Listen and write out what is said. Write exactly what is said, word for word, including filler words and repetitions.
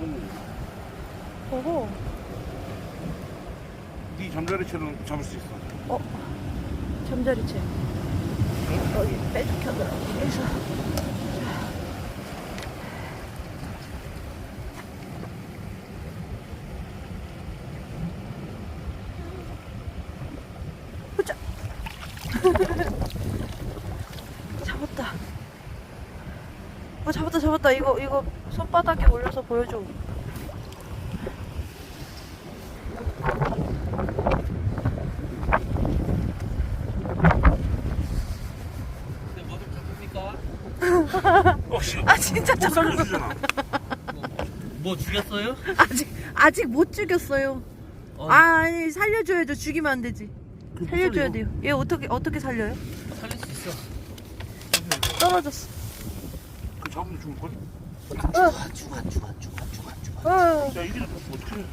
오. 오호. 네 잠자리채는 잡을 수 있어. 어, 잠자리채. 여기 빼죽혀더라고. 그래서. 보자. 잡았다. 어, 잡았다, 잡았다. 이거, 이거 손바닥에 올려서 보여줘. 어, 씨. 아, 진짜 못 잡았어. 살려주잖아. 뭐 죽였어요? 아직, 아직 못 죽였어요. 어. 아, 아니, 살려줘야죠. 죽이면 안 되지. 그못 살려줘야 살려. 돼요. 얘 어떻게, 어떻게 살려요? 살릴 수 있어. 떨어졌어. 그 잡으면 죽을걸? 어, 죽어, 죽어, 죽어, 죽어, 죽어. 어. 야, 이게 어떻게 해?